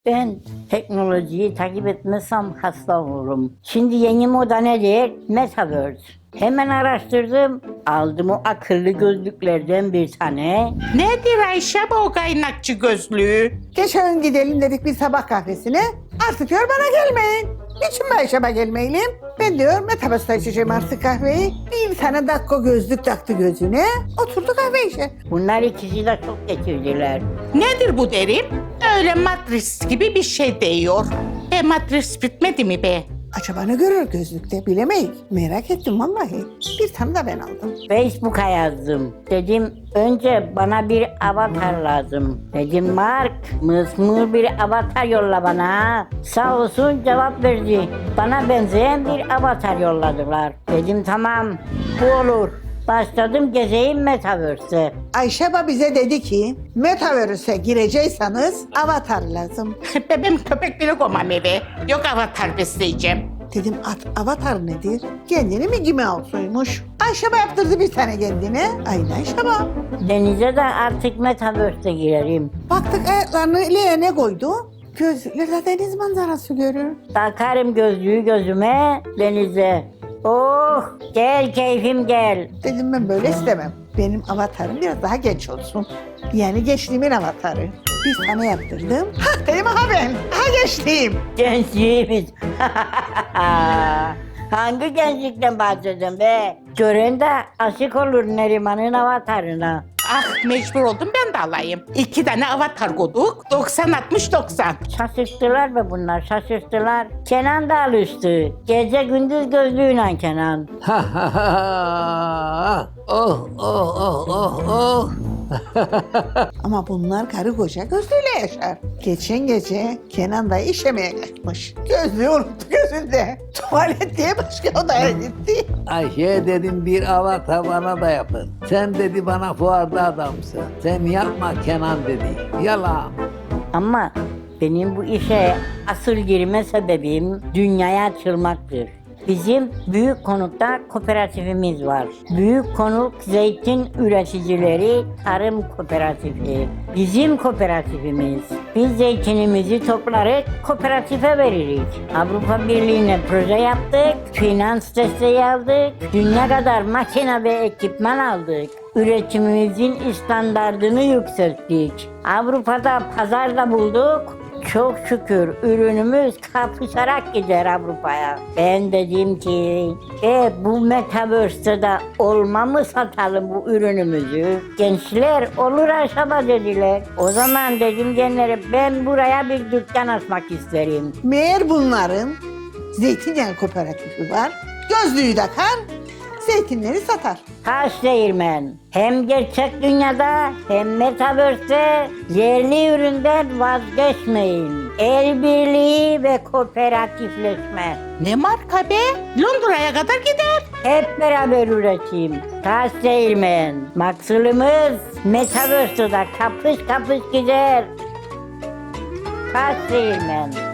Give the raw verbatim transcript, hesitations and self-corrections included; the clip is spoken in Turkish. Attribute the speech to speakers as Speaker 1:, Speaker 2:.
Speaker 1: Ben teknolojiyi takip etmezsem hasta olurum. Şimdi yeni moda nedir? Metaverse. Hemen araştırdım. Aldım o akıllı gözlüklerden bir tane.
Speaker 2: Nedir Ayşe bu o kaynakçı gözlüğü?
Speaker 3: Geçen gidelim dedik bir sabah kahvesine. Artık diyor bana gelmeyin. Niçin ben işime gelmeyelim? Ben diyor Metaverse'da içeceğim artık kahveyi. Bir tane dakika gözlük taktı gözüne. Oturdu kahve içe.
Speaker 1: Bunlar ikisi de çok getirdiler.
Speaker 2: Nedir bu derim? Öyle matris gibi bir şey diyor. E matris bitmedi mi be?
Speaker 3: Acaba ne görür gözlükte bilemeyiz. Merak ettim vallahi. Bir tane de ben aldım.
Speaker 1: Facebook'a yazdım. Dedim önce bana bir avatar lazım. Dedim Mark, mısmur bir avatar yolla bana. Sağ olsun cevap verdi. Bana benzeyen bir avatar yolladılar. Dedim tamam bu olur. Başladım gezeyim Metaverse'e.
Speaker 3: Ayşe Ba bize dedi ki Metaverse'e girecekseniz avatar lazım.
Speaker 2: Bebeğim köpek bile koymam eve. Yok avatar besleyeceğim.
Speaker 3: Dedim at, avatar nedir? Kendini mi Mickey Mouse'uymuş. Ayşe Ba yaptırdı bir tane kendine. Aynı Ayşe Ba.
Speaker 1: Denize de artık Metaverse'e girerim.
Speaker 3: Baktık ayaklarını leğene koydu. Gözlüklerle deniz manzarası görür.
Speaker 1: Takarım gözlüğü gözüme denize. Oh gel keyfim gel.
Speaker 3: Dedim ben böyle istemem. Benim avatarım biraz daha genç olsun. Yani gençliğimin avatarı. Bir tane yaptırdım. Ha dedim aha ben. Ha gençliğim.
Speaker 1: Gençliğimiz. Hangi gençlikten bahsediyorsun be? Gören de aşık olur Neriman'ın avatarına.
Speaker 2: Ah mecbur oldum ben de alayım. İki tane avatar koyduk. doksan altmış doksan.
Speaker 1: Şaşırttılar be bunlar şaşırttılar. Kenan da alıştı. Gece gündüz gözlüğüyle Kenan.
Speaker 4: Ha ha ha. Oh oh oh oh oh.
Speaker 3: Ama bunlar karı koca gözlüğüyle yaşar. Geçen gece Kenan da işemeye kaçmış. Gözlüğü unuttu gözünde. Tuvalet diye başka odaya gitti.
Speaker 4: Ayşe dedim bir avatar bana da yapın. Sen dedi bana fuarda adamsın. Sen yapma Kenan dedi. Yalan.
Speaker 1: Ama benim bu işe asıl girme sebebim dünyaya açılmaktır. Bizim Büyük Konuk'ta kooperatifimiz var. Büyük Konuk Zeytin Üreticileri Tarım Kooperatifi. Bizim kooperatifimiz. Biz zeytinimizi toplarız, kooperatife veririz. Avrupa Birliği'ne proje yaptık, finans desteği aldık, dünya kadar makine ve ekipman aldık. Üretimimizin standardını yükselttik. Avrupa'da pazar da bulduk. Çok şükür ürünümüz kapışarak gider Avrupa'ya. Ben dedim ki e bu Metaverse'de de olma mı satalım bu ürünümüzü? Gençler olur aşama dediler. O zaman dedim gençlere ben buraya bir dükkan açmak isterim.
Speaker 3: Meğer bunların zeytinyağı kooperatifi var. Gözlüğü takar, zeytinleri satar.
Speaker 1: Taş değirmen. Hem gerçek dünyada hem Metaverse'de yerli üründen vazgeçmeyin. El birliği ve kooperatifleşme.
Speaker 2: Ne marka be? Londra'ya kadar gider.
Speaker 1: Hep beraber üretim. Taş değirmen. Maksulümüz Metaverse'de kapış kapış gider. Taş değirmen.